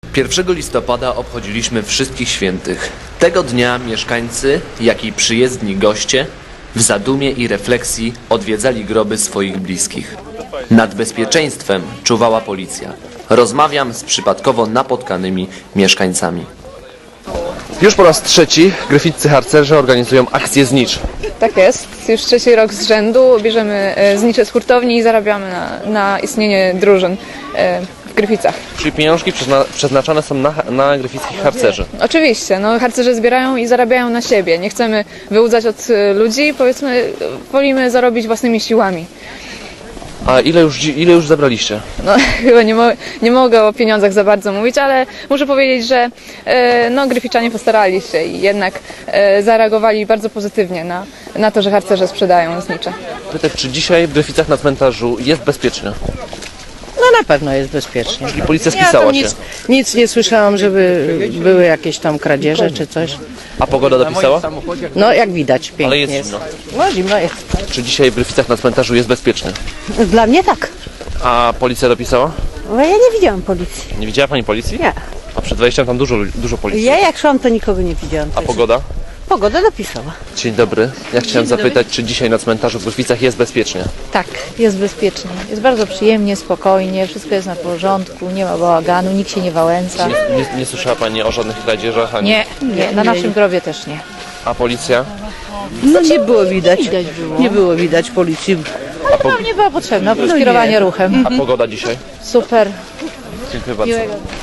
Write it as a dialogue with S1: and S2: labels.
S1: 1 listopada obchodziliśmy Wszystkich Świętych. Tego dnia mieszkańcy, jak i przyjezdni goście w zadumie i refleksji odwiedzali groby swoich bliskich. Nad bezpieczeństwem czuwała policja. Rozmawiam z przypadkowo napotkanymi mieszkańcami.
S2: Już po raz trzeci gryficcy harcerze organizują akcję znicz.
S3: Tak jest. Już trzeci rok z rzędu bierzemy znicze z hurtowni i zarabiamy na istnienie drużyn w Gryficach.
S2: Czyli pieniążki przeznaczane są na gryfickich harcerzy.
S3: Oczywiście, no harcerze zbierają i zarabiają na siebie. Nie chcemy wyłudzać od ludzi, powiedzmy, wolimy zarobić własnymi siłami.
S2: A ile już zebraliście?
S3: No, chyba nie mogę o pieniądzach za bardzo mówić, ale muszę powiedzieć, że Gryficzanie postarali się i jednak zareagowali bardzo pozytywnie na to, że harcerze sprzedają znicze.
S2: Pytam, czy dzisiaj w Gryficach na cmentarzu jest bezpiecznie?
S4: No na pewno jest bezpiecznie.
S2: Czyli policja
S4: Ja
S2: spisała
S4: tam
S2: się.
S4: nic nie słyszałam, żeby były jakieś tam kradzieże czy coś.
S2: A pogoda dopisała?
S4: No jak widać, pięknie
S2: Ale jest
S4: jest.
S2: zimno.
S4: No zimno jest.
S2: Czy dzisiaj w Gryficach na cmentarzu jest bezpiecznie?
S5: Dla mnie tak.
S2: A policja dopisała?
S5: Bo ja nie widziałam policji.
S2: Nie widziała pani policji?
S5: Nie.
S2: A przed wejściem tam dużo policji.
S5: Ja jak szłam, to nikogo nie widziałam.
S2: A pogoda?
S5: Pogoda dopisała.
S2: Dzień dobry. Ja chciałem zapytać, czy dzisiaj na cmentarzu w Gryficach jest bezpiecznie?
S6: Tak, jest bezpiecznie. Jest bardzo przyjemnie, spokojnie, wszystko jest na porządku, nie ma bałaganu, nikt się nie wałęsa.
S2: Nie słyszała pani o żadnych kradzieżach? Ani...
S6: Nie, na naszym grobie też nie.
S2: A policja?
S4: No nie było widać.
S6: Widać było.
S4: Nie było widać policji.
S6: Nie była potrzebna, oprócz kierowania ruchem.
S2: A pogoda dzisiaj?
S6: Super.
S2: Dziękuję bardzo.
S6: Miłego.